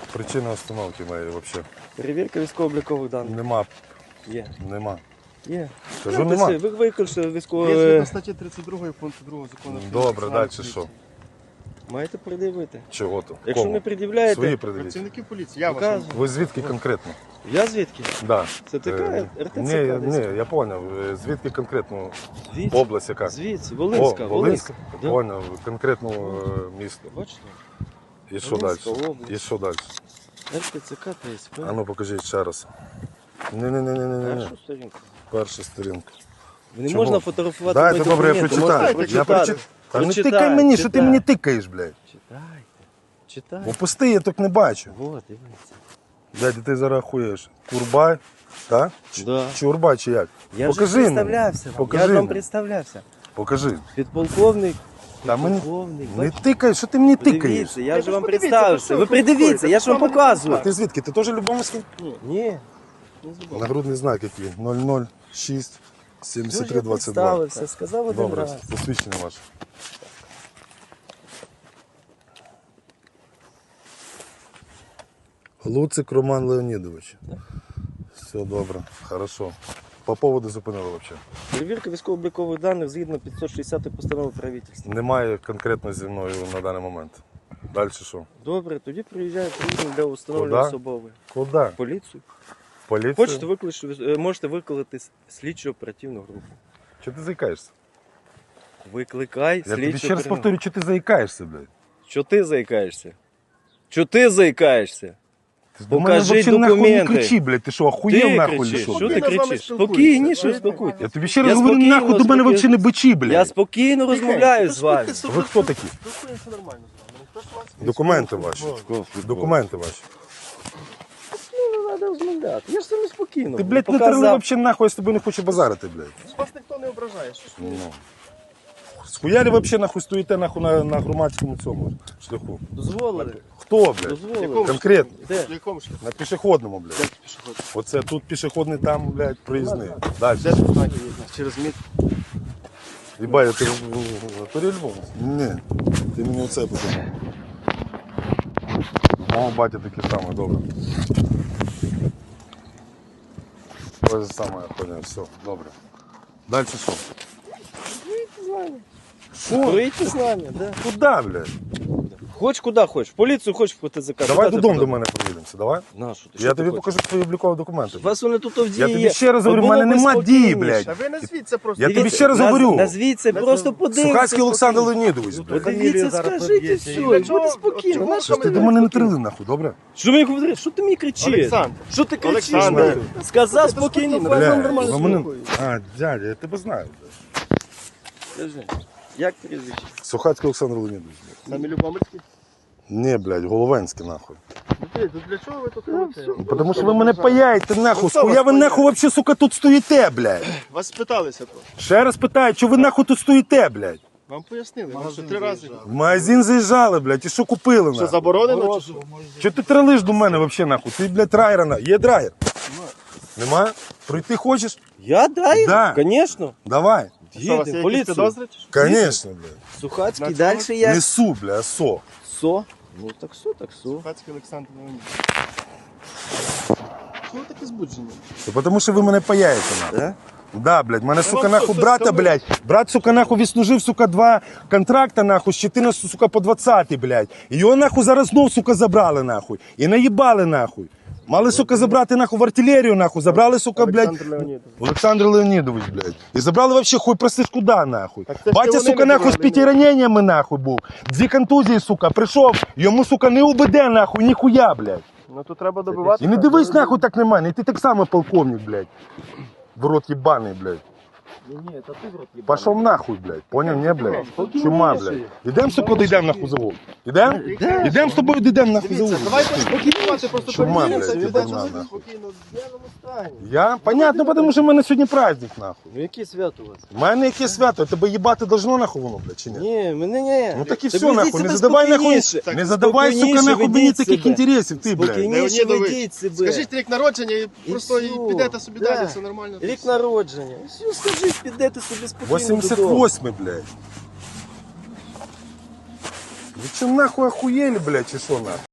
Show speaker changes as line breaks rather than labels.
Причина остановки моєї взагалі.
Перевірка військово-облікових даних.
Нема.
Є.
Нема.
Є.
Кажу, нема.
Ви викликали
Є
військово...
згідно статті 32 пункту 2 закону.
Добре, далі що?
Маєте пред'явити.
Чого то?
Якщо
Кому?
не пред'являєте...
Свої придивіть.
Працівники поліції, я вас.
Показую.
Ви звідки конкретно?
Я звідки?
Да.
Це така РТЦК
Ні,
десь?
ні, я поняв. Звідки конкретно?
Звідси.
Область яка?
Звідси. Волинська.
О, Волинська.
Да.
Поняв. Конкретно місто.
Бачите?
І що далі?
Волинська область.
І що далі?
РТЦК ТСП.
А ну покажіть ще раз. Ні.
Першу сторінку.
Перша сторінка.
Не
Чому?
можна фотографувати
Дайте,
мої
добре, я
документи.
прочитаю.
Можете
Я
прочитати.
прочитаю. Та не
Прочитай,
тикай мені, що ти
читай.
мені тикаєш, блядь.
Читайте. Читай.
Опусти, я так не бачу.
Вот, дивіться.
Дядь, ти зараз хуєш. Курбай, так?
Да.
Чурбай чи як?
Я
Покажи
вже
мені.
представлявся вам.
Покажи
Я ж вам
мені.
представлявся.
Покажи.
Підполковник.
Та мені
Підполковник.
не тикай, що ти мені тикаєш?
Подивіться, я ж вам
подивіться,
представився.
про
Ви
що ви
придивіться, я ж вам
А
показую.
ти звідки? Ти теж Любомирський?
Ні.
Нагрудний знак який? 006
Я
73 22.
представився, сказав один
Добре,
раз.
посвідчення ваше. Луцик Роман Леонідович. Все добре, хорошо. По поводу зупинили взагалі.
Перевірка військово-облікових даних згідно 560 постанови правительства.
Немає конкретно зі мною на даний момент. Далі що?
Добре, тоді приїжджає приїзд для встановлення
Куди?
особової.
Куди?
Поліцію.
Поліцію?
Можете викликати слідчо оперативну групу.
Чого ти заїкаєшся?
Викликай
Я тобі
слідчо
ще раз
оперативну.
повторю, що ти заїкаєшся, блядь.
Що ти заїкаєшся? Що ти заїкаєшся?
Ти до мене
Покажіть
вообще нахуй не
документи.
кричи, блядь. Ти що, охуєв
Ти
нахуй
кричиш.
чи що?
Що
блядь?
ти
Спокійно з вами
кричиш?
спілкуюся.
Спокійніше,
Ви-
спокуйтесь.
Я тобі ще раз
Я
говорю,
спокійно,
нахуй до мене
спокійно.
вообще не бичі, блядь.
Я спокійно розмовляю з вами.
Ви хто такі?
Спілкуємося нормально з вами. Ніхто ж вас не
Документи ваші. Документи ваші.
Ну, не треба розмовляти. Я ж саме спокійно.
Ти, блядь, не
Показав.
терли вообще нахуй, я з тобою не хочу базарити, блядь.
Вас ніхто не ображає. Що ж ви?
Ну. Схуялі вообще нахуй стоїте нахуй на громадському цьому шляху?
Дозволили.
Хто, блядь?
Дозволили.
Конкретно.
Де?
В якому шляху?
На пішохідному, блядь.
Де пішохід?
Оце тут пішохідний, там, блядь, проїзний. Далі.
Де тут знаки є? Через міт.
Єбать, ти по-любому? Ні, ти мені оце подумав. Мого батя таке саме, добре. Ось саме, я поняв, все, добре. Далі що?
Поїдьте з нами.
Що?
Поїдьте з нами, да.
Куда, блядь?
Хоч куди хочеш. В поліцію хочеш в ТЦК.
Давай
Куди ти
додому
туди?
до мене проїдемося, давай.
На, що ти?
Я
Що ти
тобі
хочеш?
покажу твої облікові документи.
У вас вони тут в дії
Я тобі
є.
ще раз говорю, в
Було
мене
б
нема
спокійніше.
дії, блядь.
А ви назвіться просто.
Я тобі
Дивіться,
ще раз говорю.
Назвіться, просто подивіться.
Сухацький Олександр Леонідович, блядь.
Подивіться, скажіть і все, і буде спокійно.
Чого?
Що ж ти до мене не трили, нахуй, добре?
Що мені говориш? Що ти мені кричиш?
Олександр.
Що ти кричиш?
Олександр.
нахуй? Сказав спокійно,
Бля,
фазон нормально
ви мене...
спілкується.
А, дядя, я тебе знаю, блядь.
Скажи, як прізвище?
Сухацький Олександр Леонідович, блядь.
Самі Любомирські?
Ні, блядь, Головенський, нахуй.
Для чого ви тут робите?
Потому що ви мене паяєте, нахуй.
Ну, хто
Схуя
вас
ви
паяє?
нахуй вообще, сука, тут стоїте, блядь.
Вас спиталися тут.
Ще раз питаю, що ви нахуй тут стоїте, блядь?
Вам пояснили. Вам що 3 рази.
В магазин заїжджали, блядь, і що купили,
Що
нахуй?
заборонено чи що?
Що ти тралиш до мене вообще, нахуй? Ти, блядь, драйвера, на. Є драйвер? Нема? Пройти хочеш?
Я драйвер?
Да.
Звісно.
Давай.
Що, у вас є
Їдемо,
якісь
поліцію.
підозри чи що?
Конечно, блядь.
Сухацький,
На
далі
цьому?
як?
Не су, блядь, а со.
Со? Ну так со, так со.
Сухацький Олександр Леонідович. Чого ви такі збуджені?
Потому що ви мене паяєте, нахуй.
Да?
Да, блядь, мене, сука,
вам
нахуй
що,
брата,
сказали?
блядь. Брат, сука, нахуй відслужив, сука, 2 контракта, нахуй, з 14, сука, по 20, блядь. І його, нахуй, зараз знов, сука, забрали, нахуй. І наїбали, нахуй. Мали, сука, забрати, нахуй, в артилерію, нахуй. Забрали, сука, блядь.
Олександр Леонідович.
Олександр Леонідович, блядь. І забрали вообще хуй простиш куди, нахуй.
Так це ж
Батя,
вони
сука,
не
нахуй, з
забрали,
5 раненнями, нахуй, був. 2 контузії, сука, прийшов. Йому, сука, не УБД, нахуй, ніхуя, блядь.
Ну то треба добивати.
І не дивись, нахуй, так на мене. І ти так само полковник, блядь. В рот єбаний, блядь.
Ні, та ти в рот їбаний.
Пошел нахуй, блядь. Понял, не, блядь?
Спокійніше.
Чума, блядь. Ідем, сука, дійдем нахуй завод. Ідем? Ідем з тобою дійдем нахуй
Дивіться,
завод.
давайте спокійнувати, просто
Чума,
перевіримося,
блядь,
і
єбана,
бачимо,
нахуй.
спокійно, в п'яному стані.
Я? Понятно, потому що в мене сьогодні праздник, нахуй.
Ну яке свято у вас?
У мене яке свято, тебе їбати должно нахуй воно, блядь, чи ні?
Ні, мене не.
Ну так і
Ти
все,
ведіть
нахуй, не
себе
задавай нахуй,
спокійніше.
не задавай, сука,
Спокійніше
нахуй мені
ведіть
таких
себе.
інтересів, ти, блядь.
Спокійніше
Леонідович,
ведіть себе.
Скажіть рік народження і
І
просто
всю.
і підете собі
Да.
далі, все нормально.
Рік народження. Все, скажіть, підете собі спокійно додому.
88, блядь. Ви чим нахуй охуєли, блядь, чи що нахуй?